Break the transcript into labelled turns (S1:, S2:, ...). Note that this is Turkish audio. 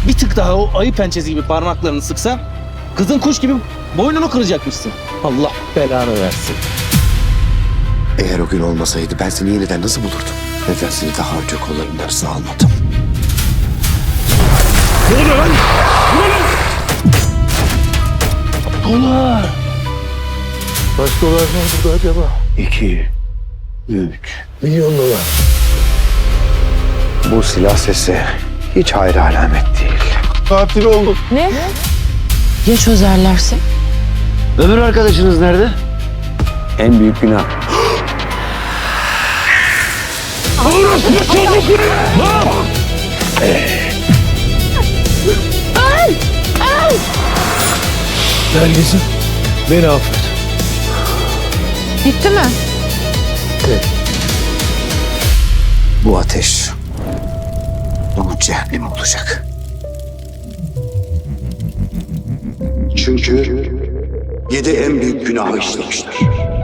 S1: bir tık daha o ayı pençesi gibi parmaklarını sıksa kızın kuş gibi boynunu kıracakmışsın. Allah belanı versin.
S2: Eğer o gün olmasaydı ben seni yeniden nasıl bulurdum? Neden seni daha önce kollarımın arasına almadım?
S1: Ne oluyor lan? Dolar.
S2: Kaç dolar var burada acaba? 2, 3 milyon dolar. Bu silah sesi hiç hayra alamet değil. Katil oldum.
S3: Ne? Ya çözerlerse?
S2: Öbür arkadaşınız nerede? En büyük günah.
S1: Nergis'im beni affet.
S3: Gitti mi?
S2: Bu ateş onun cehennemi olacak. Çünkü 7 en büyük günahı işlemişler.